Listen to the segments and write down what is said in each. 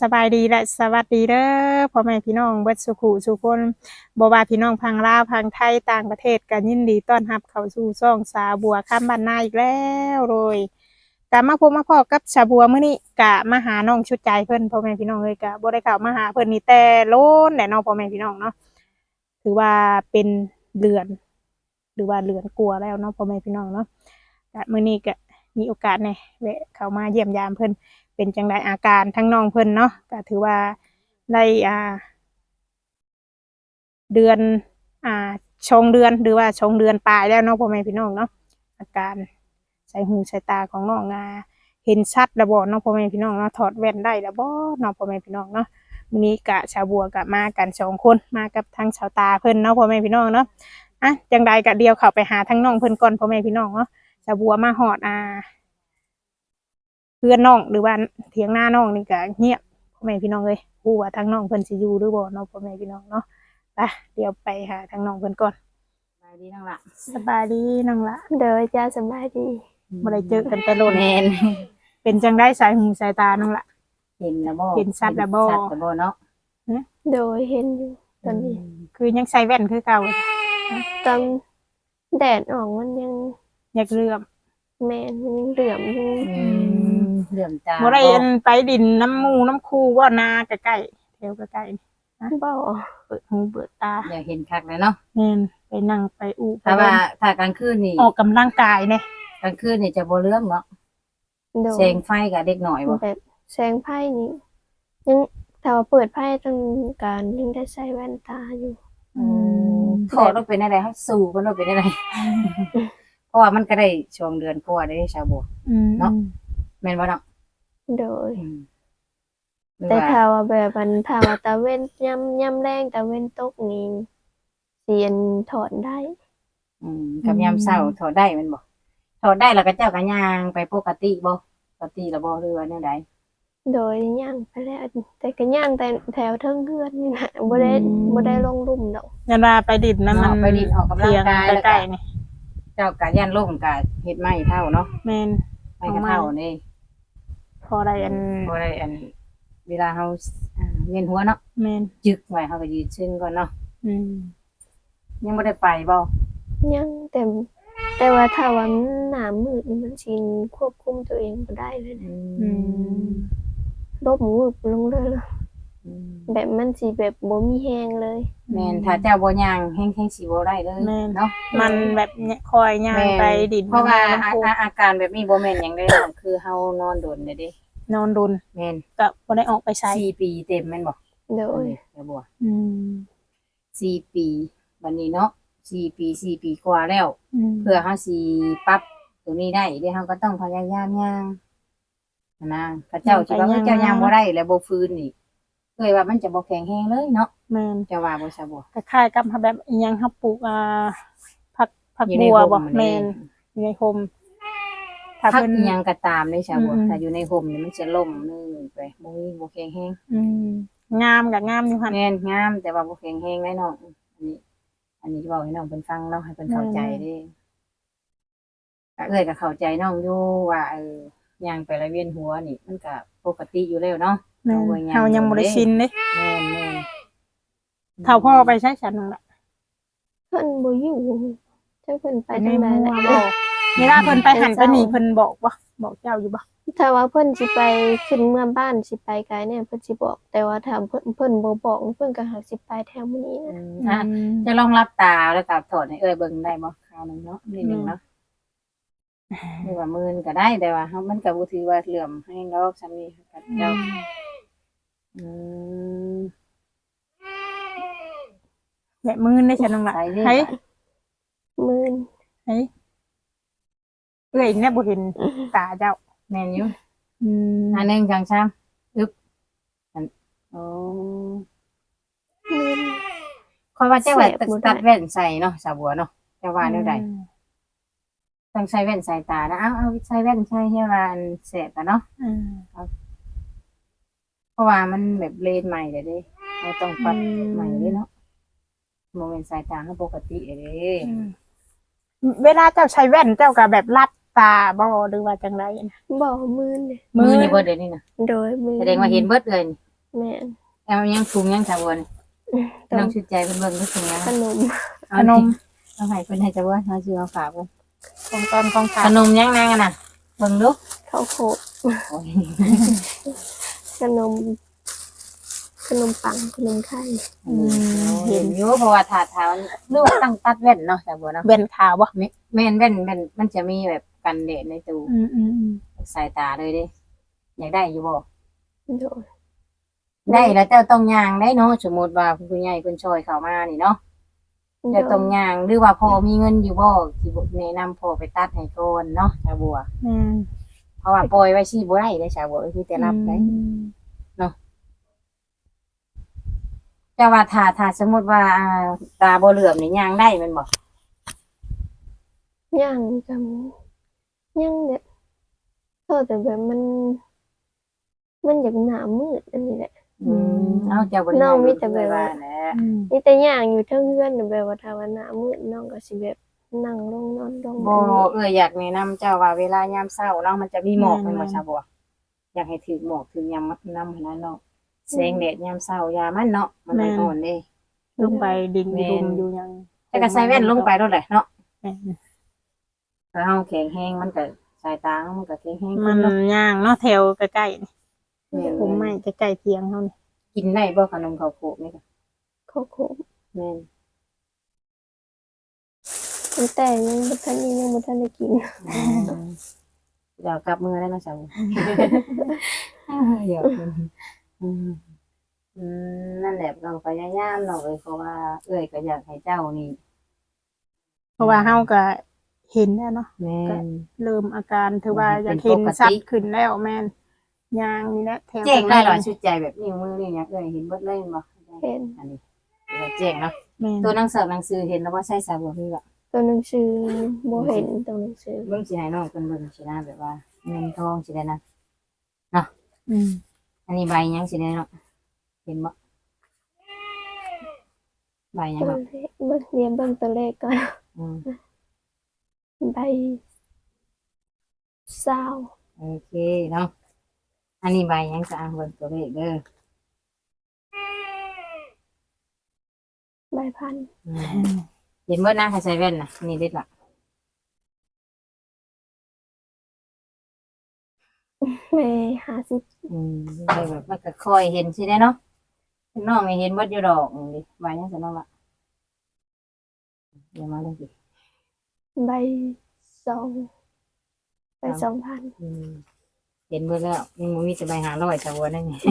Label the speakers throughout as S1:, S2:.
S1: สบายดีและสวัสดีเด้อพ่อแม่พี่น้องเบิดสุขุสุคนบ่ว่าพี่น้องพังลาวพังไทยต่างประเทศกันยินดีต้อนรับเข้าสู่ช่องสาบัวข้ามบ้านนาอีกแล้วโดยกะมาพบมาพอกับสาบัวมื้อนี้กะมาหาน้องชุดใจเพิ่นพ่อแม่พี่น้องเอ้ยกะบ่ได้เข้ามาหาเพิ่นนี่แต่โลนแหละเนาะพ่อแม่พี่น้องเนาะถือว่าเป็นเดือนหรือว่าเดือนกลัวาแล้วเนาะพ่อแม่พี่น้องเนาะกะมื้อนี้ก็มีโอกาสแหน่แวะเข้ามาเยี่ยมยามเพิ่นเป็นจังไดอาการทั้งน้องเพิ่นเนาะก็ถือว่าได้เดือนชงเดือนหรือว่าชงเดือนปลายแล้วเนาะพ่อแม่พี่น้องเนาะอาการใส่หูใส่ตาของน้องเห็นชัดแล้วบ่เนาะพ่อแม่พี่น้องเนาะถอดแว่นได้แล้วบ่เนาะพ่อแม่พี่น้องเนาะมื้อนี้กะชาวบัวกะมากัน2คนมากับทั้งชาวตาเพิ่นเนาะพ่อแม่พี่น้องเนาะจังใดกะเดียวเข้าไปหาทั้งน้องเพิ่นก่อนพ่อแม่พี่น้องเนาะชาวบัวมาฮอดเพื่อนน้องหรือว่าเถียงหน้าน้องนี่ก็เงียบพ่อแม่พี่น้องเลยฮู้ว่าทางน้องเพิ่นสิอยู่หรือบ่เนาะพ่อแม่พี่น้องเนาะไปเดี๋ยวไปหาทางน้องเพิ่นก่อน
S2: สบายดีน้องละ
S1: สบายดีน้องละ
S3: เด้อจ้าสบายดี
S1: บ่ได้เจอกันแต่โลด
S2: แม่น
S1: เป็นจังได๋สายหูสายตาน้องละ
S2: เห็นแล้วบ่
S1: เห็นชัดแล้วบ่
S2: เนาะ
S3: โดยเห็นอยู่ตอนนี้
S1: คือยังใส่แว่นคือเก่า
S3: ตอนแดดออกมันยัง
S1: อยากเลื่อม
S3: แม่มันยังเหลื่อมอยู่
S2: เหลื่อมตา
S1: บ่ได้ไปดินน้ำหมู่น้ำคูว่านาใกล้ๆแถวใกล้
S3: ๆบ่
S1: เปิดหูเปิดตา
S2: อยากเห็นคักเลยเนาะ
S1: แม่นไปนั่งไปอู้
S2: แต่ว่าถ้ากลางคืนนี่
S1: ออกกำลังกายเนี่ย
S2: กลางคืนนี่จะบ่เลื่อมเนาะแสงไฟกับเด็กหน่อยบ่
S3: แบบแสงไฟนี่ยังถ้าว่าเปิดไฟต้องการยังได้ใส่แว่นตาอยู่
S2: ขอต้องเป็นอะไรให้สู่มันต้องเป็นอะไรเพราะว่ามันก็ได้ช่วงเดือนกว่าได้ชาวบัวเนาะแม่นบ่เนาะ
S3: โดยแต่ถ้าว่าแบบมันถ้าว่าตะเว้นย่ำแรงตะเว้นตกนี่เสียนถอนได้
S2: กับยามเช้าถอดได้แม่นบ่ถอดได้แล้วก็เจ้าก็ย่างไปปกติบ่ปกติแล้วบ่หรือว่าแนวใด
S3: โดยย่างไปแล้วแต่ก็ย่างแต่แถวเทิงเฮือนนี่นะบ่ได้ลงลุ่มดอก
S1: ยันว่าไปดินนะมัน
S2: ไปดินออกกำลังกาย
S1: ใกล้ๆนี่
S2: เจ้ากะย่านล่มกะเฮ็ดไม้เท่าเนาะ
S1: แม่น
S2: ไม้กะเท่านี่
S1: พอได้อัน
S2: เวลาเฮาเวียนหัวเนาะ
S1: แม่น
S2: จึกไว้เฮาก็ยืนซึ่งก่อนเนาะยังบ่ได้ไปบ่
S3: ยังแต่ว่าถ้าว่าหน้ามืดนี่มันสิควบคุมตัวเองบ่ได้เลยลบมือลงเลยแบบมันสิแบบบ่มีแฮงเลย
S2: แม่นถ้าเจ้าบ่ย่างแฮงสิบ่ได้เลยเนาะ
S1: มันแบบคอยย่างไปดิน
S2: เพราะว่าอาการแบบนี้บ่แม่นหยังได้หรอกคือเฮานอนโดนเด้
S1: นอนดุล
S2: แม่น
S1: ก็บ่ได้ออกไปใช้
S2: 4ปีเต็มแม่นบ่
S3: โดย
S2: บัว4ปีบัดนี้เนาะ4ปีกว่าแล้วเพื่อเฮาสิปรับตรงนี้ได้เดี๋ยวเฮาก็ต้องพยายามย่างนะพระเจ้าสิว่าเจ้าย่างบ่ได้แล้วบ่ฟื้นนี่เคยว่ามันจะบ่แข็งแรงเลยเนาะ
S1: แม่น
S2: จะว่าบ่ซะบ่
S1: คล้ายๆกับแบบอีหยังเฮาปลูกผักบัวบ่แม่นอยู่ในโฮม
S2: ถ้าเพิ่นอีหยังก็ตามเด้ซะบ่ถ้าอยู่ในโฮมนี่มันจะล่มนึงไปบ่แข็งแรง
S1: งามก็งามอยู่หั่น
S2: แม่นงามแต่ว่าบ่แข็งแรงได้น้องอันนี้เว้าให้น้องเพิ่นฟังเนาะให้เพิ่นเข้าใจเด้ก็ก็เข้าใจน้องอยู่ว่าย่างไปละเวียนหัวนี่มันก็ปกติอยู่แล้วเนาะ
S1: เฮายังบ่ได้ชินเด้
S2: แม่น
S1: เฒ่าพ่อไปใช้ฉันนั่นล่ะ
S3: เพิ่นบ่อยู่จักเพิ่นไปทางใดล่ะ
S1: เวลาเพิ่นไปหันไปนี่เพิ่นบอกบ่บอกเจ้าอยู่บ่
S3: ถ้าว่าเพิ่นสิไปขึ้นเมืองบ้านสิไปไกลเนี่ยเพิ่นสิบอกแต่ว่าถ้าเพิ่นบ่บอกเพิ่นก็หากสิไปแถวมื้อนี้
S2: นะจะลองรับตาแล้วก็ถอดให้เบิ่งได้บ่คราวนึงเนาะนิดนึงเนาะหรือว่ามื่นก็ได้แต่ว่ามันก็บ่ถือว่าเหลื่อมให้ดอกซ้ำนี้กับเจ้า
S1: แบบมื่นได้ฉันน้องล่ะเฮ้ย
S3: มื่น
S1: เฮ้ยเอ้ยเนี่ยบ่เห็นตาเจ้า
S2: แม่นอยู่อันนึงจังซ้ํอึบโอ้ค่อยว่าเจ้าว่าตัดแว่นใส่เนาะสาวบัวเนาะเจ้าว่าแนวใดต้องใช้แว่นสายตานะเอาใช้แว่นใช้ให้ว่าแสบอ่ะเนาะเพราะว่ามันแบบเลนใหม่เด้เราต้องปรับใหม่เนาะโมเมนต์สายตาเขาปกติเด้
S1: เวลาเจ้าใช้แว่นเจ้าก็แบบรับตาบ่หรือว่าจังไรนะ
S3: บ่มือ
S2: นี่เบิดเลยนี่นะ
S3: โดยมือ
S2: แสดงว่าเห็นเบิดเลย
S3: แม่น
S2: เอายังถุงยังสาวบัวนี่
S3: ต้
S2: น้อ
S3: อง
S2: งชุดใจเป็นเบิ่งก็ถุงยัง
S3: ขนม
S1: ขนม
S2: เอาให้เพิ่นให้สาวบัวเขาซื้อมาฝากเพิ่น
S1: ของตอนของ
S2: ข
S1: ฝาก
S2: นมยังนางอะน่ะเบิ่งดู
S3: ข้าวโพด
S2: โอ้ย
S3: ขนมขนมปังขนมไข่
S2: เห็นอยู่เพราะว่าถาดเท้าหรือว่าตั้งตัดแว่นเนาะสาวบัวเนาะ
S1: เว้นขาวบ่
S2: แม่นแว่นมันจะมีแบบกันแดดในตู้
S1: อืม
S2: สายตาเลยเด้อยากได้อยู่บ่
S3: โดย
S2: ได้แล้วเจ้าต้องย่างได้เนาะสมมุติว่าผู้ใหญ่เพิ่นช่วยเข้ามานี่เนาะเจ้าต้องย่างหรือว่าพอมีเงินอยู่บ่สิบ่แนะนำพ่อไปตัดให้ก่อนเนาะชาวบัว เพราะว่าปล่อยไว้สิบ่ได้เด้ชาวบัวคือแต่รับได้เจ้าว่าถ้าสมมุติว่าตาบ่เหลือมนี่ย่างได้แม่นบ่
S3: ย่างกับย่างเนี่ยแต่แบบมันอยากหนามืดอันนี้แหละ
S2: เอาเจ้าบ่ได้
S3: น้องมีแต่แบบว่า
S2: แหละ
S3: นี่แต่ย่างอยู่เทั้งเพื่อนแบบว่าถ้าว่าหนามืดน้องก็สิแบบนั่งลงนอนลง
S2: บ่อยากแนะนำเจ้าว่าเวลายามเช้าเนาะมันจะมีหมอกแม่นบ่ชาวบัวอยากให้ถือหมอกถือยามนำให้นั้นเนาะแสงแดดยามเช้ายามมันเนาะมันไม่อ่อนเด้
S1: ลงไปดิ่งดุมอยู่ยัง
S2: แต่ก็ใส่แว่นลงไปโดดแหละเนาะ
S1: แม่น
S2: ถ้าเฮาแข็งแรงมันก็สายตามันก็แข็งแรง
S1: มั
S2: ขึ้
S1: น
S2: นเนาะ
S1: ย่างเนาะแถวใกล้ๆนี่
S2: แม่น
S1: ผมไม่ใกล้ๆเทียงเฮานี่
S2: กินได้บ่ขนมข้าวโพดนี่ก็
S3: เขาโคม
S2: แม่น
S3: แต่ยังบ่ทันได้กิน
S2: เดี๋ยวกลับมือได้เนาะจ้ะเดี๋ยวนั่นแหละเราพยายามเนาะเอ้ยเพราะว่าเอ้ยก็อยากให้เจ้านี่
S1: เพราะว่าเฮาก็เห็นแล้วเนาะ
S2: แม่น
S1: เริ่มอาการถือว่าอยากเห็นชัดขึ้นแล้วแม่นย่างนี่แหละแถว
S2: แจ้งได้หรอ
S1: ใกล้ๆ
S2: ชุดใจแบบนิ้วมือนี่เนี่ยเอ้ยเห็นเบิดเลยบ่
S3: เห็น
S2: อันนี้แจ้งเนาะ
S1: แม่น
S2: ตัวหนังสือเห็นแล้วว่าใช่สาวบัวพี่บ่
S3: ตัวหนังสือบ่เห็นตัวหนังสือ
S2: เบิ่งสิให้น้องเพิ่นเบิ่งสินะแบบว่าเงินทองสิได้นะ
S1: อืม
S2: อันนี้ใบหยังสิได้เนาะเห็นบ่ใบหยัง
S3: ตัว
S2: เนาะ
S3: เลขเบิ่งเรียนเบิ่งตัวเลขก่อน
S2: อืม
S3: ใบเศร้า
S2: โอเคเนาะอันนี้ใบหยังจะอ่านเบิ่งตัวเลขเด้อ
S3: ใบพัน
S2: อืมเห็นเบิดนะถ้าใส่แว่นน่ะนี่เด็ดล่ะ
S3: แม่50
S2: ได้แบบมันก็ค่อยเห็นสิได้เนาะน้องนี่เห็นเบิดอยู่ดอกนี่ดิใบหยังซะเนาะล่ะเดี๋ยวมาเลยสิ
S3: ใบ2ใบ2,000
S2: อืมเห็นเบิดแล้วยังบ่มีแต่ใบ500สาวบัวนั่นไง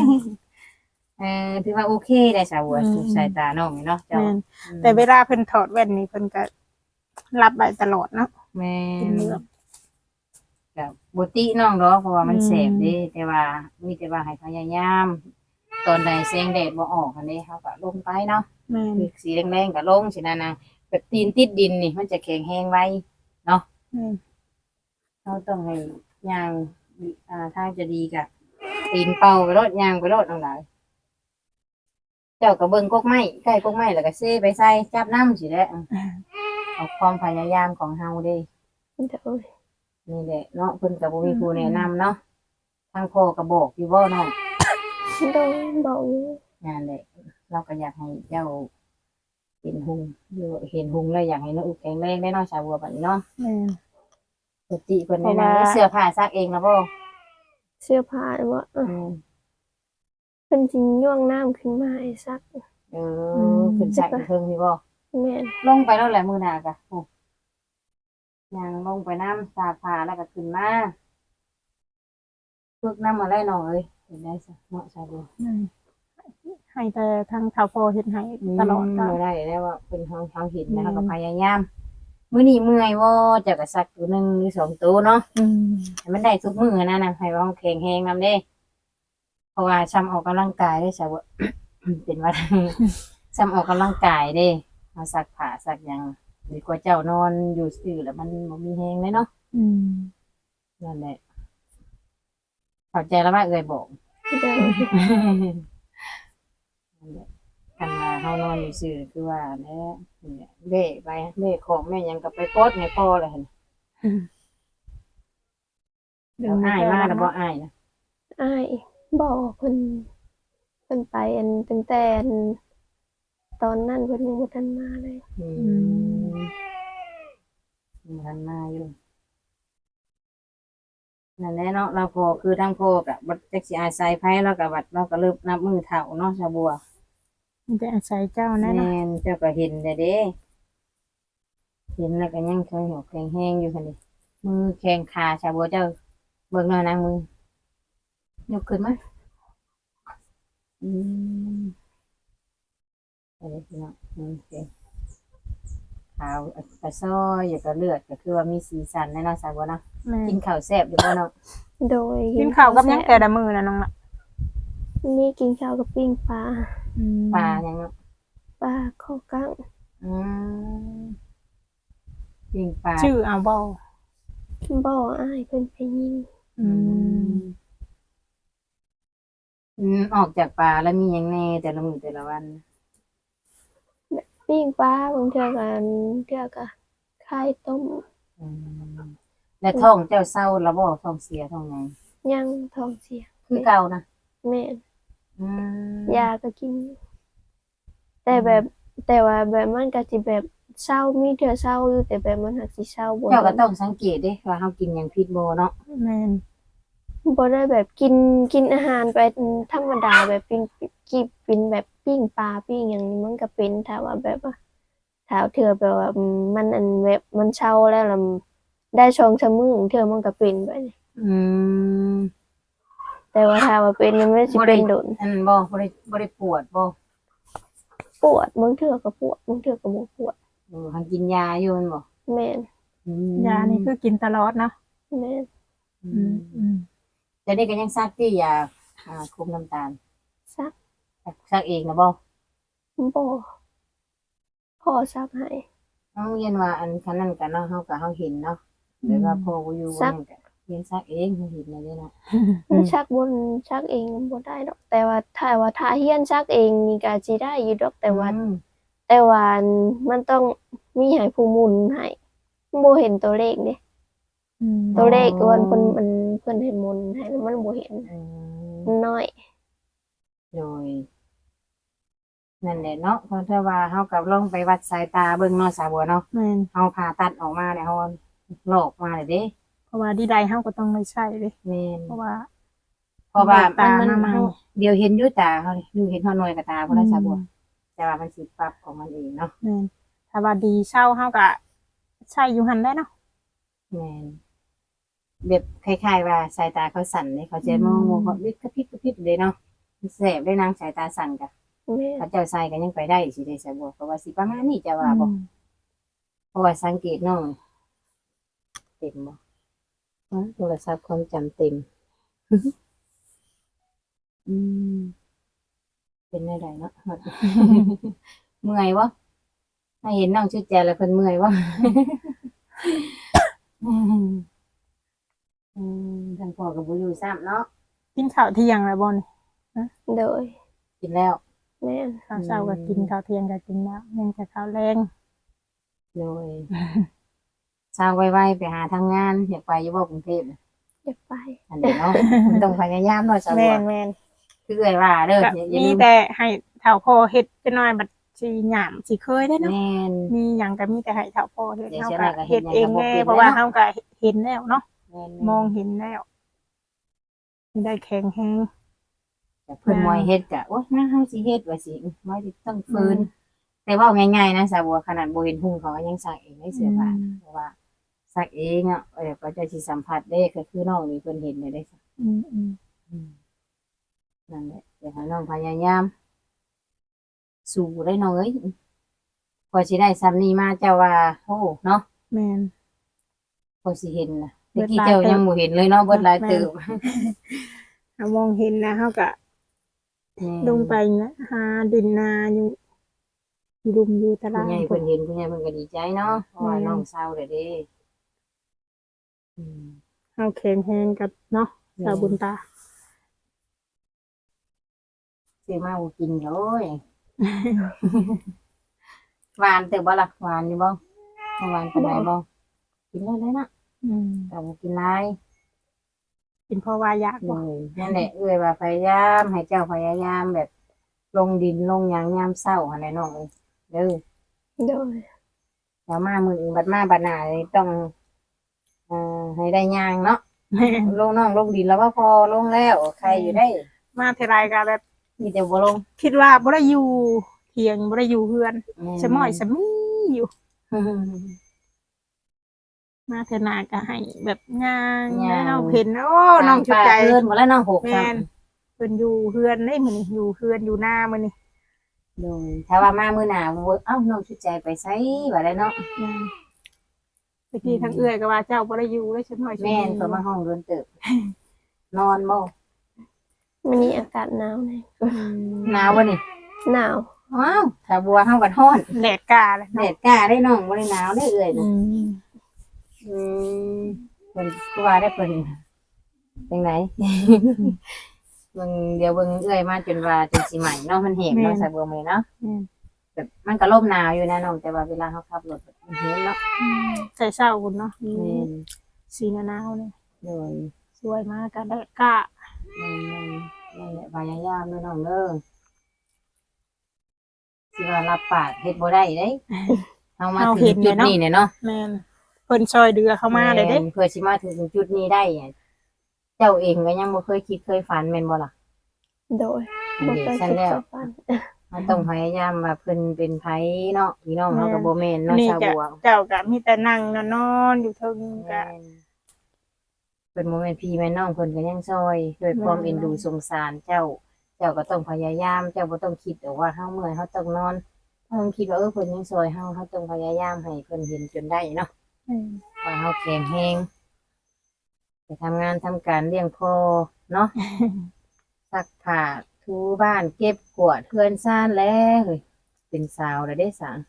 S2: ถือว่าโอเคได้สาวบัวสายตาน้องนี่เนาะเจ้า
S1: แม่นแต่เวลาเพิ่นถอดแว่นนี่เพิ่นก็รับไว้ตลอดเนาะ
S2: แม่
S1: เป็นเรื่อง
S2: กับบุติน้องดอกเพราะว่ามันแสบเด้แต่ว่ามีแต่ว่าให้พยายาม ตอนใดแสงแดดบ่ออกอันนี้เขาก็ลงไปเนาะ
S1: แม่น
S2: คือสีแดงๆก็ลงสินะนางแบบตีนติดดินนี่มันจะแข็งแห้งไว้
S1: แม่น
S2: เราต้องให้ย่างถ้าจะดีกะตีนเป่าไปรดย่างไปรดน้องหลายเจ้าก็เบิ่งกกไม้ใกล้กกไม้แล้วก็เซไปใส่จับน้ำสิแหละเอาความพยายามของเฮาเด้
S3: โดย
S2: นี่แหละเนาะเพิ่นก็บ่มีผู้แนะนำเนาะทางพ่อก็บอกอยู่บ่เนาะ
S3: โดยบอกอยู่
S2: นั่นแหละเราก็อยากให้เจ้าเห็นหุงหรือเห็นหุงแล้วอยากให้น้องอุกแข็งแรงได้เนาะชาวบัวบัดนี้เนาะ
S1: แม่น
S2: ปกติเพิ่นแนะนำเสื้อผ้าซักเองนะบ่
S3: เสื้อผ้าว่าเพิ่นสิย่วงน้ำขึ้นมาให้ซัก
S2: ขึ้นซักเพิ่งนี่บ่
S3: แม่น
S2: ลงไปแล้วแหละมื้อหน้ากะโอ้ย่างลงไปน้ำซักผ้าแล้วก็ขึ้นมาฝึกน้ำอะไรหน่อยเห็นได้ซะเนาะชาวบัว
S1: ให้แต่ทางข่าวพอเฮ็ดให้ตลอดก็
S2: บ่ได้แล้วว่าเพิ่นเฮาเห็นนะเฮาก็พยายามมื้อนี้เมื่อยบ่เจ้าก็ซักตัวหนึงหรือ2ตัวเนาะ ให้มันได้ทุกมื้อนะให้ว่าเราแข็งแรงนำเด้ เพราะว่าซ้ำออกกำลังกายได้ใช่บ่ เป็นว่า ซ้ำออกกำลังกายเด้มาซักผ้าซักหยังดีกว่าเจ้านอนอยู่ซื่อแล้วมันบ่มีแรงเลยเนาะนั่นแหละเข้าใจแล้วว่าเอ่ยบอก
S3: โดย
S2: นั่นแหละคันว่าเฮานอนอยู่ซื่อคือว่าแหละนี่แหละเบ้ไปเบ้ของแม่หยังก็ไปกดให้พ่อเลยหั่นแล้วอ้ายมาแล้วบ่อ้ายนะ
S3: อ้ายบอกเพิ่นพิ่นไปตั้งแต่ตอนนั้นเพิ่นยังบ่ทันมาเลย
S2: ทันมาอยู่นั่นแหละเนาะเราพอคือทั้งพ่อกับบัดจักสิอาศัยไผเราก็บัดเราก็เริ่มนับมือเฒ่าเนาะชาวบัว
S1: มันจะอาศัยเจ้าแน่
S2: แม่
S1: เนาะ
S2: นเจ้าก็เห็นได้เด้เห็นแล้วก็ยังเคยหัวแข็งแห้งอยู่คั่นนี่มือแข็งขาชาวบัวเจ้าเบิ่งหน่อยนะมือยกขึ้นมาอืมเอาเลยพี่น้องโอเคขาวกระซ้อยอยู่กับเลือดก็คือว่ามีสีสันแน่เนาะชาวบัวเนาะ
S1: แม่
S2: กินข้าวแซ่บอยู่บ่เนาะ
S3: โดย
S1: กินข้าวกับหยังแต่ละมื้อน่ะน้องละ
S3: มีกินข้าวกับปิ้งปลา
S2: ปลาหยังเนาะ
S3: ปลาข้าวกั้ง
S2: อืมปิ้งปลา
S1: ชื่อเอาบ่
S3: บ่อ้ายเพิ่นไปยิง
S1: อืม
S2: ออกจากป่าแล้วมีหยังแน่แต่ละมื้อแต่ละวัน
S3: ปิ้งปลาบางเทื่อก็ไข่ต้ม
S2: อืมแล้วท้องเจ้าเศร้าแล้วบ่ท้องเสียท้องหยัง
S3: ยังท้องเสีย
S2: คือเก่านะ
S3: แม่น
S2: อืม
S3: ยาก็กิน แต่ว่าแบบมันก็สิแบบเศร้ามีเทื่อเศร้าอยู่แต่แบบมันหักสิเศร้าบ่
S2: เจ้าก็ต้องสังเกตเด้ว่าเฮากินหยังผิดบ่เนาะ
S1: แม่น
S3: บ่ได้แบบกินอาหารไปธรรมดาแบบเป็นแบบปิ้งปลาปิ้งหยังนี่มันก็เป็นถ้าว่าแบบว่าถ้าเทื่อแบบว่ามันแบบมันเศร้าแล้วได้2-3มื้อเทื่อมันก็เป็นไป
S2: อืม
S3: แต่ว่าถ้าว่าเป็นมันไม่สิเป็นโดน
S2: อันบ่ได้ปวดบ่
S3: ปวดบางเทื่อก็ปวดบางเทื่อก็บ่ปวด
S2: หันกินยาอยู่แม่นบ่
S3: แม่น
S2: อืม
S1: ยานี่คือกินตลอดเนาะ
S3: แม่น
S1: อืม
S2: แต่นี่ก็ยังซักที่ยาคุมน้ำตาล
S3: ซัก
S2: ซักเองนะบ่
S3: บ่พ่อซักให้
S2: เอาเรียนว่าอันคันนั้นกันเนาะเฮาเห็นเนาะแต่ว่าพ่อบ่อยู่บ่นั่นก็เรียนซักเองเฮาเห็นได้เด้เนาะ
S3: ชักบนชักเองบ่ได้ดอก แต่ว่าถ้าเฮียนชักเองนี่ก็สิได้อยู่ดอกแต่ว่า
S2: อืม
S3: มันต้องมีให้ผู้หมุนให้บ่เห็นตัวเลขเด้
S1: อืม
S3: ตัวเลขวันเพิ่นให้หมุนให้แล้วมันบ่เห็น
S2: อืม
S3: มันน้อย
S2: โดยนั่นแหละเนาะเพราะถ้าว่าเฮากับลองไปวัดสายตาเบิ่งเนาะสาวบัวเนาะ
S1: แม่น
S2: เฮาผ่าตัดออกมาแล้วเฮาลอกมาเลยเด้
S1: เพราะว่าดีใดเฮาก็ต้องได้ใช้เด้
S2: แม่น
S1: เพราะว่า
S2: เพราะว่า
S1: ตา
S2: มัน
S1: มา
S2: เฮาเดี๋ยวเห็นอยู่ตาเฮาอยู่เห็นเฮาหน่วยกับตาบ่ได้สาวบัวแต่ว่ามันสิปรับของมันเองเนาะ
S1: แม่นถ้าว่าดีเช่าเฮาก็ใช้อยู่หั่นได้เนาะ
S2: แม่นแบบคล้ายๆว่าสายตาเขาสั่นเลยเขาจะมองเขาวิกระพริบเลยเนาะแสบได้นางสายตาสั่นกะ
S3: แม่
S2: เขาเจ้าใส่ก็ยังไปได้สิได้สาวบัวเพราะว่าสิประมาณนี้จะว่าบ่
S1: อืม
S2: เพราะว่าสังเกตน้องเต็มบ่โทรศัพท์ความจำเต็ม อืมเป็นได้ไดเนาะ เมื่อยวะถ้าเห็นน้องชื่อแจแล้วเพิ่นเมื่อยวะ ทางพ่อกับบุอยู่ซ้ำเนาะ
S1: กินข้าวเที่ยงแล้วบ่นี่
S3: โดย
S2: กินแล้ว
S3: แม่น
S1: ข้าวเช้าก็กินข้าวเที่ยงก็กินแล้วยังแต่ข้าวแรง
S2: โดยเช้าไวๆไปหาทำงานอยากไปอยู่บ่กรุงเทพน่ะ
S3: อยากไป
S2: อันเดียวเนาะ มันต้องพยายามเนาะสาวบั
S1: แม่
S2: วน
S1: แม่น
S2: คือเอ่ยว่าเด้อ
S1: ก็
S2: อย่า
S1: มี
S2: ลืม
S1: แต่ให้เฒ่าพ่อเฮ็ดจักหน่อยบัดสิหยามสิเคยได้เนาะ
S2: แม่น
S1: มีหยังก็มีแต่ให้เฒ่าพ่อเฮ็ด
S2: เดี๋ยว
S1: เฮา
S2: เสีย
S1: ก็
S2: หน่อยก็เฮ็
S1: เฮ็
S2: ด
S1: ด
S2: หยังก็
S1: เอง
S2: บ่เป็น
S1: แน่เพราะว่า
S2: แล้ว
S1: เฮาก็เห็นแล้วเนาะ
S2: แม่น
S1: มองเห็นแล้วได้แข็งแรง
S2: แต่เพิ่นมอยเฮ็ดก็โอ๊ยมาเฮาสิเฮ็ดว่าสิมอยสิต้องฝืนแต่เว้าง่ายๆนะสาวบัวขนาดบ่เห็นหุ่งเขาก็ยังซักเองได้เสื้อผ้าเพราะว่าซักเองอ่ะก็จะสิสัมผัสได้ก็คือน้องนี่เพิ่นเห็นได้ซัก
S1: อืม
S2: นั่นแหละอยากให้น้องพยายามสู้ได้น้องเอ้ยพอสิได้ซ้ำนี้มาเจ้าว่าโอ้เนาะ
S1: แม่น
S2: พอสิเห็นน่ะ
S1: เบิ
S2: เมื่อ
S1: ด
S2: กี้
S1: หลาย
S2: เจ้า
S1: เติบ
S2: ยังบ่เห็นเลยเนาะเบิดหลายเติบ
S1: เฮามองเห็นนะเฮาก็ลงไปนะหาดินนาอยู่รุมอยู่ตา
S2: ผู้
S1: ราง
S2: ใหญ่
S1: พุ่
S2: เพิ่
S1: น
S2: นเห็นผู้ใหญ่เพิ่นก็ดีใจเนาะเพราะว่าน้องเศร้าเด้อเด้อืม
S1: เฮาแข็งแรงกับเนาะสาวบุญตา
S2: ซื้อมาบ่กินเลย หวานแต่บ่ล่ะหวานอยู่บ่หวานปานใดบ่กินได้นะ
S1: อืม
S2: แต่บ่กินหลาย
S1: เป็นเพราะว่าอยากบ่
S2: นั่นแหละเอ้ยว่าพยายามให้เจ้าพยายามแบบลงดินลงหยังยามเช้าหั่นแหละน้องเอ้ยเด้อ
S3: โดย
S2: แล้วมามื้ออื่นบัดมาบัดหน้านี่ต้องให้ได้ย่างเนาะ
S1: แม่น
S2: ลงน้องลงดินแล้วว่าพอลงแล้วใครอยู่ได้
S1: มาเท่าไรก็แบบ
S2: มีแต่บ่ลง
S1: คิดว่าบ่ได้อยู่เถียงบ่ได้อยู่เฮือนสมอยสมีอยู่ มาเทอหนาก็ให้แบบย่างแล้วเห็นโอ้น้องจุดใจ
S2: เพิ่นบ่แล้วน้องหก
S1: แม่นเพิ่นอยู่เฮือนได้มื้อนี้อยู่เฮือนอยู่หน้ามื้อนี้
S2: โดยถ้าว่ามามื้อหน้าเอ้าน้องชุดใจไปไสว่าได้เนาะ
S1: แม่นตะกี้ทั้งเอื้อยก็ว่าเจ้าบ่ได้อยู่เลยฉันหน่อย
S2: แม่นเพิ่นมาห้องโดนเติบนอนบ่
S3: มันนี้อากาศหนาวเลย
S2: หนาวบ่นี่
S3: หนาว
S2: ว้าวถ้าบัวเฮาบัดร้อน
S1: แดดกาเลย
S2: แดดกล้าได้น้องบ่ได้หนาวได้เอ้ย
S1: อื
S2: นะ
S1: ม
S2: อืมเพิ่นคือว่าได้เพิ่นจังได เบิ่งเดี๋ยวเบิ่งเอ้ยมาจนว่าจนสิใหม่เนาะมันแห้งเนาะใส่บัวมื้อเนาะ
S1: อืม
S2: แบบมันก็ลมหนาวอยู่นะน้องแต่ว่าเวลาเขาขับรถมันเห็นเนาะ
S1: ใส่เศร้าคุณเนาะมี
S2: แม่น
S1: สีหนาวๆเนี่ย
S2: โดย
S1: สวยมากกันแดดกา
S2: นั่นแหละพยายามเด้อน้องเด้อสิว่ารับปากเฮ็ดบ่ได้เด้เฮามาถึงจุดนี้เนี่ยเนาะ
S1: แม่นเพิ่นซอยเดือเข้ามาเลยเด้
S2: แม่นเพื่อสิมาถึงจุดนี้ได้อะเจ้าเองก็ยังบ่เคยคิดเคยฝันแม่นบ่ล่ะ
S3: โดย
S2: อัน
S3: บ่
S2: นี้
S3: เคย
S2: ฉัน
S3: คิด
S2: แล้ว
S3: จะฝัน
S2: มันต้องพยายามว่าเพิ่นเป็นไผเนาะพี่น้องเฮาก็บ่แม่นเนาะ
S1: นี่
S2: ชาว
S1: จะ
S2: บัว
S1: เจ้าก็มีแต่นั่งนอนอยู่เทิงก็
S2: เพิ่นบ่แม่นพี่แม่น้องเพิ่นก็ยังซอยด้วยความเอ็นดูสงสารเจ้า เจ้าก็ต้องพยายาม เจ้าบ่ต้องคิดว่าเฮาเมื่อยเฮาต้องนอนเฮาคิดว่าเพิ่นยังซอยเฮาต้องพยายามให้เพิ่นเห็นจนได้เนาะ
S1: อืม
S2: ว่าเฮาแข็งแรงไปทำงานทำการเลี้ยงพ่อเนาะ ซักผ้าถูบ้านเก็บกวาดเฮือนซ่านแล้วเฮ้ยเป็นสาวแล้วเด้สาง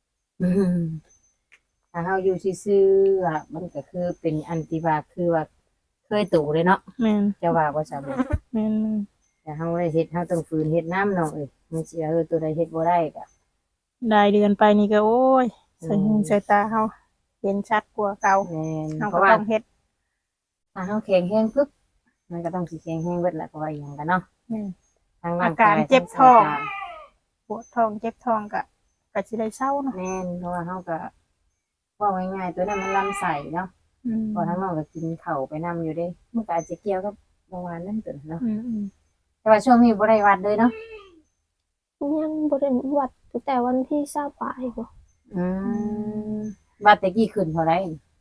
S2: ถ้าเฮาอยู่ซื่อๆอะมันก็คือเป็นอันติบาคือว่าเคยตู่เลยเนาะ
S1: แม่น
S2: จะว่าบ่ซะบ่
S1: แม่น
S2: แต่เฮาได้เฮ็ดเฮาต้องฝืนเฮ็ดน้ำเนาะเอ้ยมันสิตัวใดเฮ็ดบ่ได้ก็
S1: ได้เดือนไปนี่ก็โอ้ยใส่หูใส่ตาเฮาเห็นชัดกว่าเก่า
S2: แม่น
S1: เฮา
S2: เพ
S1: ก็
S2: ราะว่า
S1: ต้องเฮ็ด
S2: ถ้าเฮาแข็งแรงปึ๊บมันก็ต้องสิแข็งแรงเบิดแหละเพราะว่าอีหยังกันเนาะ
S1: อืม
S2: ทางร่าง
S1: อาการ
S2: กาย
S1: เจ็บท้อง
S2: ทางสายตา
S1: ปวดท้องเจ็บท้องก็สิได้เศร้าเนาะ
S2: แม่นเพราะว่าเฮาก็ว่าง่ายๆตัวนั้นมันลำไส้เนาะ
S1: อืม
S2: พอทั้งน้องก็กินข้าวไปนํอยู่เด้มันก็อาจจะเกี่ยวกับเมื่อวานนั่นตัวเนาะ
S1: อืมอืม
S2: แต่ว่าช่วงนี้บ่ได้วัดเลยเนาะ
S3: ยังบ่ได้วัดตั้งแต่วันที่20ปลายบ่
S2: อืมวัดแต่กี้ขึ้นเท่าไหร่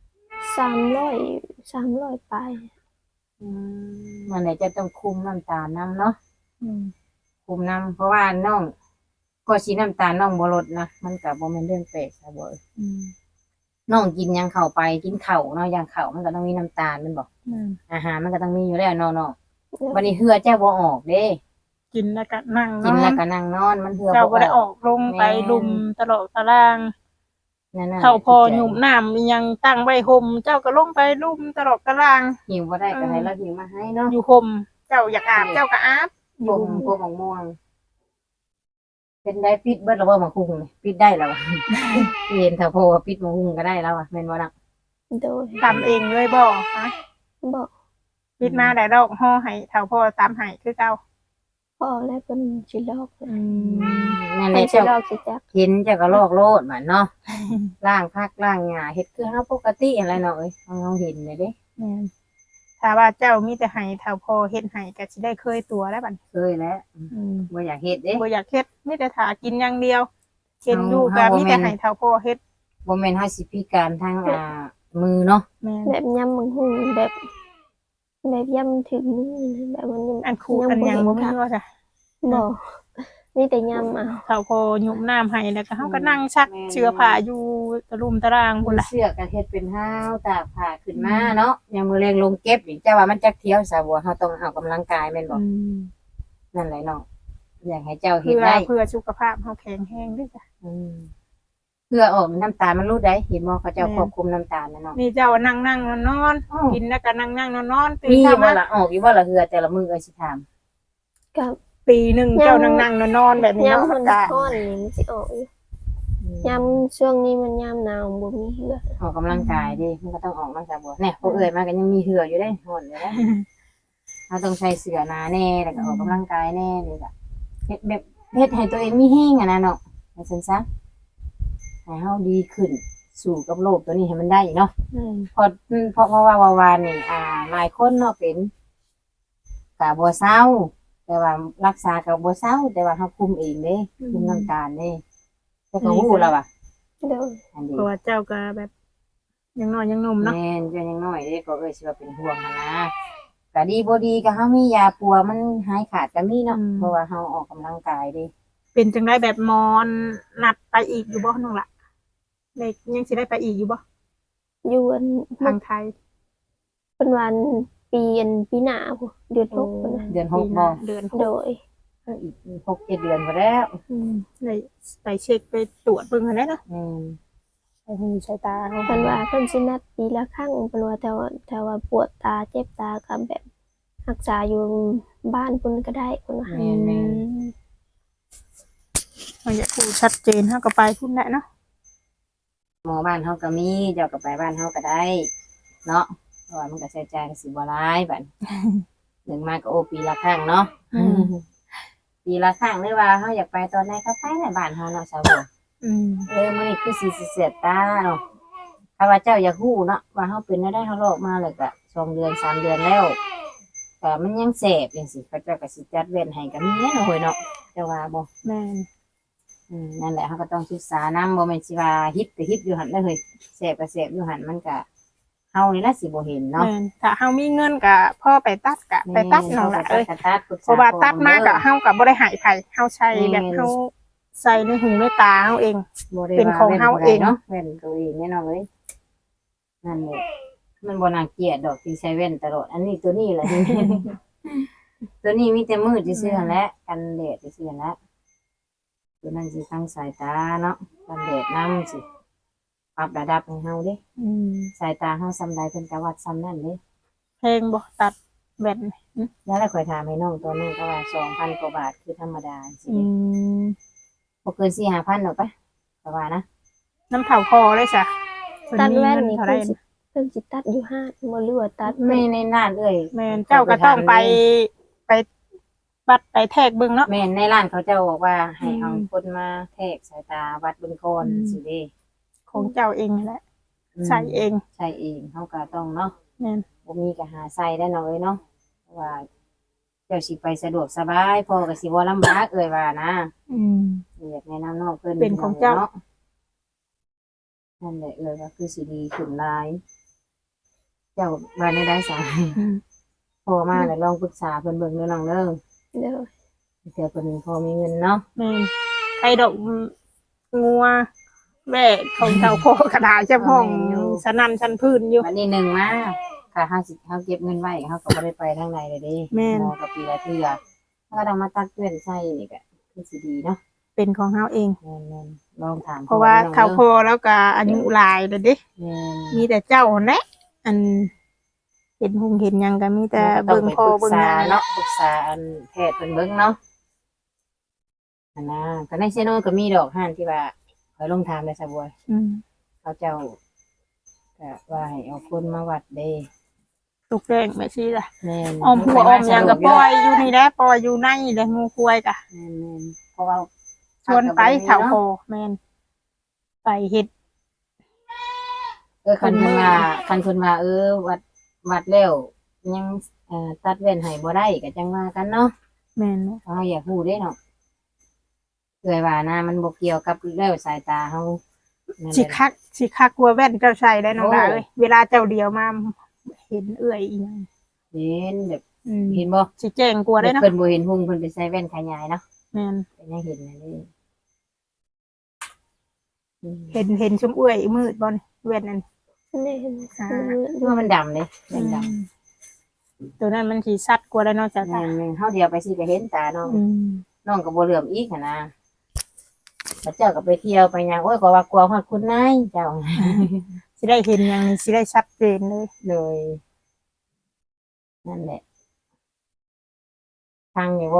S3: 300ปลาย
S2: มันไหนจะต้องคุมน้ำตาลนํเนาะ
S1: อืม
S2: คุมน้ำเพราะว่าน้องก็สิน้ำตาลน้องบ่ลดนะมันก็บ่แม่นเรื่องแปลกซะบ่
S1: อืม
S2: น้องกินหยังเข้าไปกินข้าวเนาะอย่างข้าวมันก็ต้องมีน้ำตาลแมันบอก
S1: อืม
S2: อาหารมันก็ต้องมีอยู่แล้วเนาะๆวันนี้เหือเจ้าบ่ออกเด้
S1: กินแล้วก็นั่งน
S2: กิน
S1: อ
S2: แล้ว
S1: น
S2: ก็นั่งนอนมันเหือ
S1: เจ้า
S2: บ่
S1: บ่ได้
S2: อ
S1: อ
S2: อก
S1: อกลงไป
S2: แม่น
S1: ลุมตลอดตาราง
S2: นั่นน่ะ
S1: เท่าพอหยุ่มน้ำอิหยังตั้งไว้ห่มเจ้าก็ลงไปลุมตลอดตาราง
S2: หิวบ่ได้ก็ให้เราหิวมาให้เนาะ
S1: อยู่ห่มเจ้าอยากอาบเจ้าก็อาบอ
S2: พ
S1: ยู่
S2: วก
S1: ห่ม
S2: พวกมะม่วง เป็นได้ปิดเบิดแล้วบ่มาคุงนี่ปิดได้แล้วอะ เห็นถ้าพอว่าปิดมะคุงก็ได้แล้วอ่ะแม่นบ่ล่ะ
S3: โดย
S1: ตำเองเลยบ่ฮะ
S3: บ่
S1: ปิดมาได้ดอกห่อให้เท่าพ่อตามให้คือเก่า
S3: พ่อและเพิ่นสิลอก
S2: นั่นแห
S3: เพิ่
S2: ละ
S3: นสิ
S2: เจ้า
S3: ลอกสิจัก
S2: เห็นเจ้าก็ลอกโลดมันเนาะ ล้างผักล้างหญ้าเฮ็ดคือเฮาปกติอะไรเนาะเอ้ยเฮาเห็นเลยเด้
S1: แม่นถ้าว่าเจ้ามีแต่ให้เท่าพ่อเฮ็ดให้ก็สิได้เคยตัวแล้วบัดนี้
S2: เคยแล้ว
S1: อืม
S2: บ่อยากเฮ็ดเด้
S1: บ่อยากเฮ็ดมีแต่ถากินอย่างเดียวเห็นอยู่
S2: เฮา
S1: ก็
S2: บ่
S1: มี
S2: แม่
S1: แต่
S2: น
S1: ให้เท่าพ่อเฮ็ด
S2: บ่แม่นเฮาสิพิการทางมือเนาะ
S1: แม่น
S3: แบบยำบังหุ่งแบบยำถึงมือนะแบบมันยัง
S1: อันคูอันหยังบ่มีว่าจ้ะ
S3: บ่มีแต่ยำเอา
S1: เท่าพ่อหยุบน้ำให้แล้วก็เฮาก็นั่งซักเสื้อผ้าอยู่ตะลุมตาราง
S2: มื
S1: พุ่น
S2: อ
S1: ล่ะ
S2: เสือกก็เฮ็ดเป็นห้าวตากผ้าขึ้นมาเนาะยามมื้อแรงลงเก็บนี่แต่ว่ามันจักเที่ยวซะบ่เฮาต้องออกกำลังกายแม่นบ่
S1: อืม
S2: นั่นแหละเนาะอยากให้เจ้าเฮ็
S1: เพื่
S2: ด
S1: อ
S2: ได้
S1: เพื่อสุขภาพเฮาแข็งแรงด้วยจ้ะ
S2: อืมเพื่อออกน้ำตาลมันรูดได้เห็นบ่เขาเจ้า
S1: แม่น
S2: ควบคุมน้ำตาลนะเนาะ
S1: นี่เจ้านั่งนั่งนอนนอน
S2: อ้อ
S1: กินแล้วก็นั่งนั่งนอนนอนตื่น
S2: มี
S1: เช้า
S2: บ่
S1: มา
S2: ล่ะออกอยู่บ่ล่ะเหือแต่ละมื้อเอ้ยสิถาม
S3: กับ
S1: ปีหนึ่งเจ้านั่งนั่งนอนนอนแบบนี้เนาะ
S3: ยำมัน
S1: ก็
S3: ร้อนนี่มันสิออกอยู่ยำช่วงนี้มันยำหนาวบ่มีเหือ
S2: ออกกำลังกายดิมันก็ต้องออกมาซะบ่เนี่ยพวกเอ้ยมาก็ยังมีเหืออยู่ได้ฮ้อนอยู่เด้ เราต้องใช้เสื้อหนาแน่แล้วก็ออกกำลังกายแน่นี่ก็เฮ็ดแบบเฮ็ดให้ตัวเองมีแห้งอะนะเนาะว่าซั่นซะให้เฮาดีขึ้นสู่กับโลกตัวนี้ให้มันได้เนาะ เพราะว่าวานนี่หลายคนเนาะเป็นก็บ่เซาแต่ว่ารักษาก็บ่เซาแต่ว่าเฮาคุมเองเด้คุมน้ำตาลเด้แต่ก็ฮู้แล้วว่ะ
S3: โดย
S2: อันนี้
S1: เพราะว่าเจ้าก็แบบยังน้อยยังหนุ่มเนาะ
S2: แม่นเจ้ายังน้อยเด้ก็สิว่าเป็นห่วงหั้นนะก็ดีบ่ดีก็เฮามียาปัวมันหายขาดก็มีเนาะเพราะว่าเฮาออกกำลังกายเด้
S1: เป็นจังได้แบบมอนนัดไปอีกอยู่บ่น้องละเด็กยังสิได้ไปอีกอยู่บ่
S3: อยู่อัน
S1: ทางไทย
S3: เป็นวันปีหน้าพุเดือน6พุ่นน่ะ
S2: เดือน
S1: ปี
S2: 6
S1: ห
S2: บ่
S1: น้าเดือนห
S3: โด
S1: ก
S3: ย
S2: อีก6-7 เดือนบ่แล้ว
S1: ได้ไปเช็คไปตรวจเบิ่งหั่นแหละเนาะ
S2: แม่น
S1: ใส่หูใส่ตาเขา
S3: เพิ่นว่าเพิ่นสินัดปีละครั้งเพิ่นว่าแต่ว่าปวดตาเจ็บตาก็แบบรักษาอยู่บ้านเพิ่นก็ได้เพิ่นว่า
S2: แม่นแม่น
S1: เราอยากรู้ชัดเจนเฮาก็ไปพุ่นแหละเนาะ
S2: หมอบ้านเฮาก็มีเจ้าก็ไปบ้านเฮาก็ได้เนาะเพราะว่ามันก็ใช้จ่ายก็สิบ่หลายบัด หนึ่งมาก็โอปีละครั้งเนาะปีละครั้งหรือว่าเฮาอยากไปตอนไหนก็ไปในบ้านเฮาเนาะชาวบ้าน มื้อนี้คือสิเสียดตาเนาะถ้าว่าเจ้าอยากฮู้เนาะว่าเฮาเป็นได้เฮาลอกมาแล้วก็2 เดือน 3 เดือนแล้วก็มันยังแสบจังซี่เขาเจ้าก็สิจัดเว้นให้ก็มีแน่เนาะเฮ้ยเนาะเจ้าว่าบ่
S1: แม่น
S2: นั่นแหละเฮาก็ต้องศึกษานำบ่แม่นสิว่าฮิปก็ฮิปอยู่หั่นเด้อเฮ้ยแสบก็แสบอยู่หั่นมันก็เฮานี่ล่ะสิบ่เห็นเนาะ
S1: แม่นถ้าเฮามีเงินก็พ่อไปตัดก็ไปตัดน้องละเอ้ย
S2: ไปตัดปรึกษ
S1: เพราะว่าตัดมาก็
S2: พ่อ
S1: เฮาก็บ่ได้ใหายไผเฮาใช้แบบเฮาใส่ในหูในตาเฮาเอง
S2: บ่ได้
S1: เป็นของเฮาเอง
S2: เนาะแว่นตัวเองแน่นอนเลยนั่นแหละมันบ่น่าเกลียดดอกที่ใช้แว่นตลอดอันนี้ตัวนี้แหละ ตัวนี้มีแต่มืดซื่อๆหั่นแหละกันแดดซื่อๆหั่นแหละตัวนั้นสิทั้งสายตาเนาะกันแดดนํสิปรับระดับให้เฮาเด้สายตาเฮาซำใดเพิ่นก็วัดซำนั้นเด้
S1: เพลงบ่ตัดแว่น
S2: แล้วค่อยถามให้น้องตัวนั้นก็ว่า 2,000 กว่าบาทคือธรรมดาสิ
S1: อืม
S2: บ่เกิน 4-5,000ดอกปะก็ว่านะ
S1: น้ำเผาคอเลยจ้ะ
S3: ตัดแว่น
S1: เพิ่
S3: นี่
S1: เท่าไหร่
S3: เพิ่นสิตัดอยู่ห้างบ่รู้ว่าตัด
S2: ไม่ในร้านเอ้ย
S1: แม่นเจ้าก็ต้องไปวัดไปแทกเบิ่งเนาะ
S2: แม่นในร้านเขาเจ้าบอกว่าให้
S1: อืม
S2: เอาคนมาแทรกสายตาวัดเบิ่งก่อน
S1: อืม
S2: สิเด้
S1: ของเจ้าเองนั่นแหละใส่เอง
S2: ใช่เองเฮาก็ต้องเนาะ
S1: แม่น
S2: บ่มีก็หาใส่ได้เนาะเอ้ยเนาะเพราะว่าเจ้าสิไปสะดวกสบายพ่อก็สิบ่ลำบากเอ้ยว่านะ
S1: อืม
S2: อยากแนะนำน้องเพิ่น
S1: เป็นของเจ้า
S2: นาะนั่นแหละเอ้ยก็คือสิดีขึ้นหลาย เจ้าว่าได้สาย พ่อมาแล้วลองปรึกษาเพิ่นเบิ่งเด้อน้องเด้อ
S3: เด้อ
S2: เดี๋ยวเพิ่นพอมีเงินเนาะ
S1: แม่นไข่ดอกงัวแม่ของเจ้าโคกระดาษเจ้าห้องสนั่นชั้นพื้นอยู่
S2: วันนี้หนึ่งมาค่ะเฮาเก็บเงินไว้เฮาก็บ่ได้ไปทางใดเลยเด้
S1: แม่น
S2: หมอกับปีละเทื่อเฮาก็ต้องมาตักเตือนใส่นี่ก็คือสิดีเนาะ
S1: เป็นของเฮาเอง
S2: แม่นๆลองถาม
S1: เพราะว่า
S2: พ่อ
S1: เขาโค
S2: แม่
S1: แล้วก็อายุหลายเลยเด้
S2: แม่น
S1: มีแต่เจ้าหั่นแหละอันเห็นหงเห็นหยังก็มีแต่เบิ่งคอเบิ่งหยัง
S2: เนาะปรึกษาอันแพทย์เพิ่นเบิ่งเนาะอันนะก็ในเซโนก็มีดอกห่านที่ว่าคอยลงถามได้ซะบ่อย
S1: อืม
S2: เขาเจ้าก็ว่าให้เอาคนมาวัดเด้
S1: ตุกแดงไม่ซี่ล่ะ
S2: แม่น
S1: ออมหัวออมหยังก็ปล่อยอยู่นี่แหละปล่อยอยู่ในนี่แหละงูควายก็
S2: แม่นๆเพราะว่า
S1: ชวนไปเขาโคแม่นไปเฮ็ด
S2: คันเพิ่นว่าวัดแล้วยังตัดเว้นให้บ่ได้ก็จังว่ากันเนาะ
S1: แม่นเนาะ
S2: เฮาอยากรู้เด้เนาะเอ้ยว่านะมันบ่เกี่ยวกับแล้วสายตาเฮานั่นแห
S1: สิ
S2: ละ
S1: คักกลัวแว่นเจ้าใส่ได้น้องดา
S2: โอ้
S1: เอ้ยเวลาเจ้าเดียวมาเห็นเอื้อยอีหยัง
S2: เห็นแบบ
S1: อืม
S2: เห็นบ่
S1: สิแจ้งกลัวได้เนาะ
S2: เพิ่นบ่เห็นหุ่งเพิ่นไปใส่แว่นขยายเนาะ
S1: แม่น
S2: เป็นยังเห็นนั่นเด้อืม
S1: เห็นชมเอื้อยมืดบ่นี่แว่นนั่น
S3: นี่เห็น
S1: อ่า
S2: คือว่ามันดำเลยแว่นดำ
S1: ตัวนั้นมันสิสัดกลัวได้เนาะจ้ะ
S2: แม่นๆเฮาเดียวไปสิก็เห็นตาน้อง
S1: อืม
S2: น้องก็บ่เหลื่อมอีกหันนะพระเจ้าก็ไปเที่ยวไปหยังโอ้ยก็ว่ากลัวฮอดคุณนายเจ้า
S1: สิได้เห็นหยังนี่สิได้ชัดเจนเลย
S2: เลยนั่นแหละทางอยู่บ่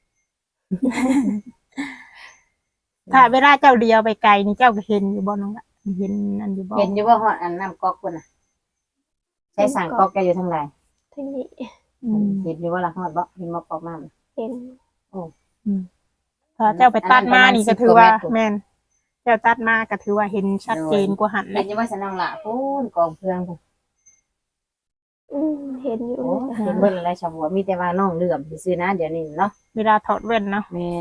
S1: ถ้าเวลาเจ้าเดียวไปไกลนี่เจ้าก็เห็นอยู่บ่น้องละเห็นอันอยู่บ่
S2: เห็นอยู่ว่าฮอดอันน้ำก๊อกพุ่นน่ะใช้สั่งก๊อกแกอยู่ทางใด
S3: ที่นี่
S1: อืม
S2: เห็นอยู่ว่าละฮอดบ่เห็นบ่ก๊อกน้ำ
S3: เห็น
S1: ถ้าเจ้าไปตัดมานี่ก็ถือว่าแม่นเจ้าตัดมาก็ถือว่าเห็นชัดเจนกว่าหันเล
S2: เห็น
S1: ย
S2: อยู่ว่าสนองละพูนกองเพื่อนพูน
S3: เห็นอยู่
S2: โอ้เห็นเบิ่นอะไรชาวบัวมีแต่ว่าน้องเหลื่อมซื่อๆนะเดี๋ยวนี้เนาะ
S1: เวลาถอดแว่นเนาะ
S2: แม่น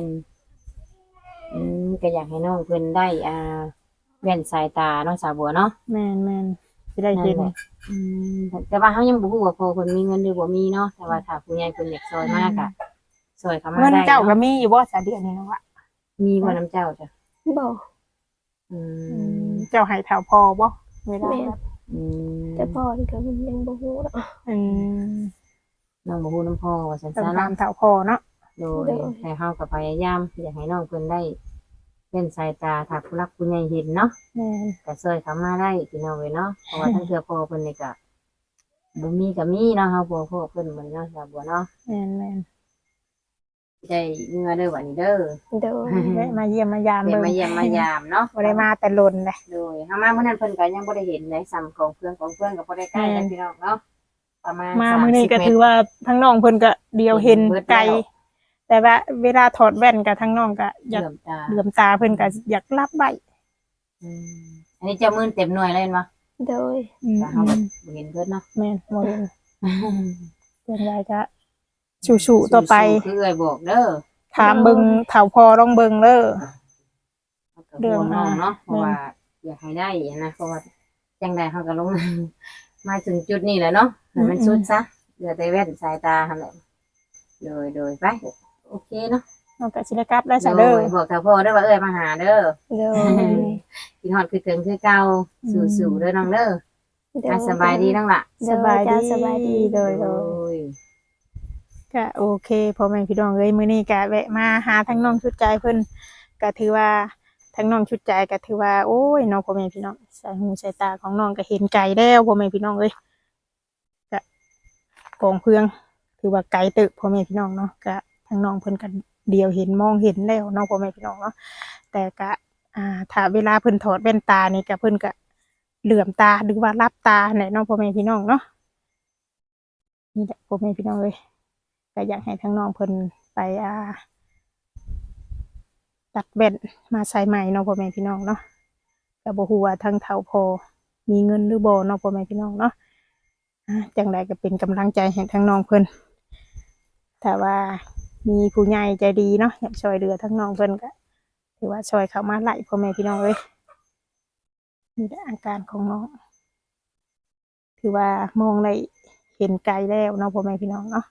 S2: ก็อยากให้น้องเพิ่นได้แว่นสายตาเนาะสาวบัวเนาะ
S1: แม่นสิได้
S2: นั่
S1: เห็
S2: น
S1: น
S2: แหละแต่ว่าเฮายังบ่ฮู้ว่าพ่อเพิ่นมีเงินหรือบ่มีเนาะแต่ว่าถ้าผู้ใหญ่เพิ่นอยากซอยมากอะซอยเข้ามา
S1: เงิน
S2: ได้
S1: เจ้าก็
S2: เนาะ
S1: มีอยู่บ่ซะเดือนนี้เนาะวะ
S2: มีบ่น้ำเจ้าจ้ะ
S3: บอก
S2: อืม
S1: เจ้าให้แถวพอบ่เวลา
S3: แม่น
S2: อืม
S3: แต่พ่อนี่ก็มันยังบ่ฮู้ดอก
S1: อืม
S2: น้องบ่ฮู้น้ำพ่อว่าซั่น
S1: ต้อง
S2: ซะ
S1: ตา
S2: เนาะ
S1: มแถวพอเนาะ
S2: โดยแต่เฮาก็พยายามอยากให้น้องเพิ่นได้เล่นสายตาถ้าผู้รักผู้ใหญ่เห็นเนาะ
S1: แม่น
S2: ก็ช่วยเขามาได้พี่น้องเว้ยเนาะเพราะว่าทั้งเทื่อพ่อเพิ่นนี่ก็บ่มีก็มีเนาะเฮาบ่พ่อเพิ่นเหมือนเนาะสาวบัวเนาะ
S1: แม่น
S2: ได้เงินเด้อบัดนี้เด้อ
S3: โดย
S1: แวะมาเยี่ยมมายาม
S2: ได้
S1: เบิ่ง
S2: มาเยี่ยมมายามเนาะ
S1: บ่ได้มาแต่ลนเลย
S2: โดยเฮามามื้อนั้นเพิ่นก็ยังบ่ได้เห็นเลยซ้ำของเพื่อนก็บ่ได้ใกล้กันพี่น้องเนาะประมาณ
S1: มามื้อนี้
S2: 30
S1: ก็
S2: เมต
S1: ถื
S2: ร
S1: อว่าทั้งน้องเพิ่นก็เดียวเห็น
S2: เบิดแล้ว
S1: ไกลแต่ว่าเวลาถอดแว่นก็ทั้งน้องก็อยาก
S2: เหลื่อมตา
S1: เหลื่อมตาเพิ่นก็อยากรับไว้
S2: อืมอันนี้เจ้ามื่นเต็มหน่วยเลยเห็นบ่
S3: โดย
S2: แต่เฮาแบบบ่เห็นเพิ่นเนาะ
S1: แม่นบ่เห็นเพิ่นได้ก็สู้ๆต่อไป
S2: สู้ๆคือเอ้ยบอกเด้อ
S1: ถามเบิ่งเฒ่าพอลองเบิ่งเด้อ
S2: เรื่องน้องเนาะเพราะว่าอยากให้ได้นะเพราะว่าจังใดเฮาก็ลง มาถึงจุดนี้แหละเนาะให้มันสุดซะเหลือแต่แว่นสายตาหั่นแหละโดยไปโอเคเนาะ
S1: น้องก็สิได้กลับแล้วซะเด้อ
S2: บอกถ้าพ่อเด้อว่าเอ้ยมาหาเด้อ
S3: โดย
S2: กินฮอดคือถึงคือเก่าสู้ๆเด้อน้องเด้อ
S3: โดย
S2: สบายดีน้องล่ะ
S1: สบายดี
S3: จ้าสบายดี
S1: โดยก็โอเคพ่อแม่พี่น้องเอ้ยมื้อนี้ก็แวะมาหาทั้งน้องชุดใจเพิ่นก็ถือว่าทั้งน้องชุดใจก็ถือว่าโอ้ยน้องพ่อแม่พี่น้องสายหูสายตาของน้องก็เห็นไกลแล้วพ่อแม่พี่น้องเอ้ยก็กองเพืองถือว่าไกลตึกพ่อแม่พี่น้องเนาะก็ทั้งน้องเพิ่นก็เดียวเห็นมองเห็นแล้วน้องพ่อแม่พี่น้องเนาะแต่ก็ถ้าเวลาเพิ่นถอดแว่นตานี่ก็เพิ่นก็เหลื่อมตาหรือว่ารับตาแหละน้องพ่อแม่พี่น้องเนาะนี่แหละพ่อแม่พี่น้องเอ้ยก็อยากให้ทั้งน้องเพิ่นไปตัดแว่นมาใส่ใหม่เนาะพ่อแม่พี่น้องเนาะก็บ่ฮู้ว่าทั้งเฒ่าพอมีเงินหรือบ่เนาะพ่อแม่พี่น้องเนาะจังใดก็เป็นกำลังใจให้ทั้งน้องเพิ่นถ้าว่ามีผู้ใหญ่ใจดีเนาะอยากช่วยเหลือทั้งน้องเพิ่นก็ถือว่าช่วยเข้ามาไล่พ่อแม่พี่น้องเอ้ยนี่แหละอาการของน้องถือว่ามองได้เห็นไกลแล้วเนาะพ่อแม่พี่น้องเนาะ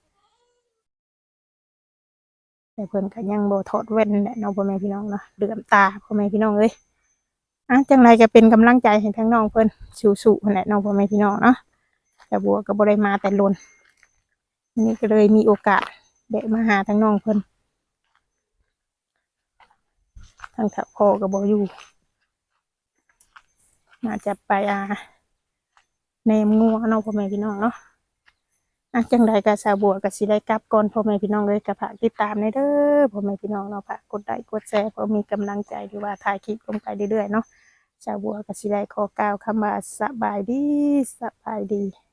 S1: แต่เพิ่นก็ยังบ่ถอดแว่นแหละเนาะพ่อแม่พี่น้องเนาะเหลื่อมตาพ่อแม่พี่น้องเอ้ยจังไรก็เป็นกำลังใจให้ทั้งน้องเพิ่นสู้ๆนั่นแหละเนาะพ่อแม่พี่น้องเนาะแต่บัวก็บ่ได้มาแต่ลนนี่ก็เลยมีโอกาสแวะมาหาทั้งน้องเพิ่นทั้งถ้าพ่อก็บ่อยู่น่าจะไปแนมงัวเนาะพ่อแม่พี่น้องเนาะจังใดก็สาวบัวก็สิได้กลับก่อนพ่อแม่พี่น้องเลยก็ฝากติดตามในเด้อพ่อแม่พี่น้องเนาะฝากกดไลค์กดแชร์เพื่อมีกำลังใจหรือว่าถ่ายคลิปลงไปเรื่อยๆเนาะสาวบัวก็สิได้ขอกล่าวคำว่าสบายดี